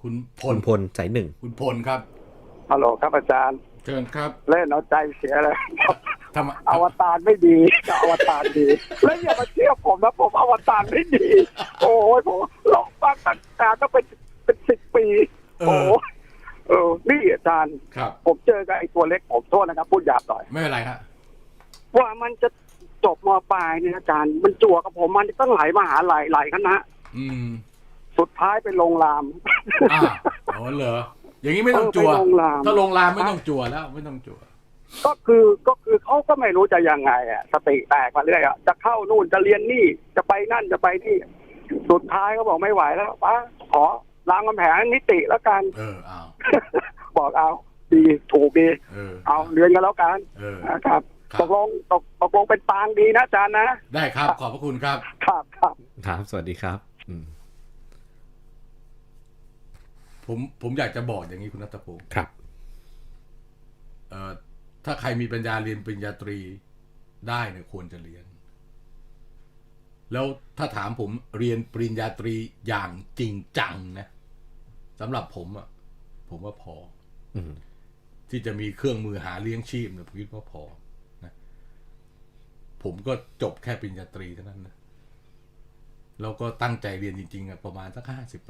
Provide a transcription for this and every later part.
คุณพลคุณพลสายหนึ่งคุณพลครับฮัลโหลครับอาจารย์เชิญครับเล่นเอาใจเสียเลยทำอวตารไม่ดีก็อวตารดีแล้วอย่ามาเชื่อผมนะผมอวตารไม่ดีโอ้ยผมลองฟังตั้งแต่ต้องเป็น10 ปีโอ้นี่อาจารย์ผมเจอกับไอ้ตัวเล็กผมโทษนะครับพูดหยาบหน่อยไม่เป็นไรฮะว่ามันจะจบม.ปลายเนี่ยอาจารย์มันจั่วกับผมมันตั้งหลายมหาลัยหลายคณะสุดท้ายไปลงรามอ๋อเหรออย่างนี้ไม่ต้องจั่วถ้าลงรามไม่ต้องจั่วแล้วไม่ต้องจั่วก็คือเขาก็ไม่รู้จะยังไงอ่ะสติแตกมาเรื่อยอ่ะจะเข้านู่นจะเรียนนี่จะไปนั่นจะไปนี่สุดท้ายเขาบอกไม่ไหวแล้วป้าขอรามคำแหงนิติแล้วกันเอาบอกเอาดีถูกดีเอาเรียนกันแล้วกันนะครับตกลงเป็นปางดีนะอาจารย์นะได้ครับขอบพระคุณครับครับสวัสดีครับผมอยากจะบอกอย่างนี้คุณณัฐพงศ์ครับถ้าใครมีปัญญาเรียนปริญญาตรีได้เนี่ยควรจะเรียนแล้วถ้าถามผมเรียนปริญญาตรีอย่างจริงจังนะสำหรับผมว่าพอที่จะมีเครื่องมือหาเลี้ยงชีพเนี่ยผมคิดว่าพอนะผมก็จบแค่ปริญญาตรีเท่านั้นนะแล้วก็ตั้งใจเรียนจริงๆประมาณสัก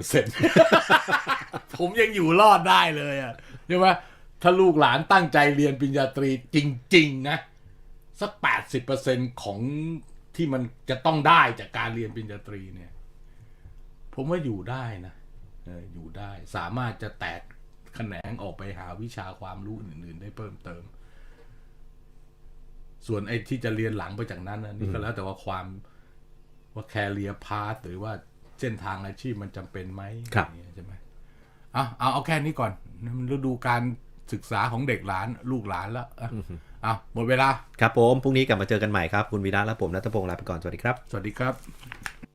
50%ผมยังอยู่รอดได้เลยใช่ไหมถ้าลูกหลานตั้งใจเรียนปริญญาตรีจริงๆนะสัก80%ของที่มันจะต้องได้จากการเรียนปริญญาตรีเนี่ยผมว่าอยู่ได้นะอยู่ได้สามารถจะแตกแขนงออกไปหาวิชาความรู้อื่นๆได้เพิ่มเติมส่วนไอ้ที่จะเรียนหลังไปจากนั้นนะนี่ก็แล้วแต่ว่าว่าcareer path หรือว่าเส้นทางอาชีพมันจำเป็นไหมใช่ไหมเอาแค่นี้ก่อนมันฤดูการศึกษาของเด็กหลานลูกหลานแล้วหมดเวลาครับผมพรุ่งนี้กลับมาเจอกันใหม่ครับคุณวีระและผมณัฐพงศ์ลาไปก่อนสวัสดีครับสวัสดีครับ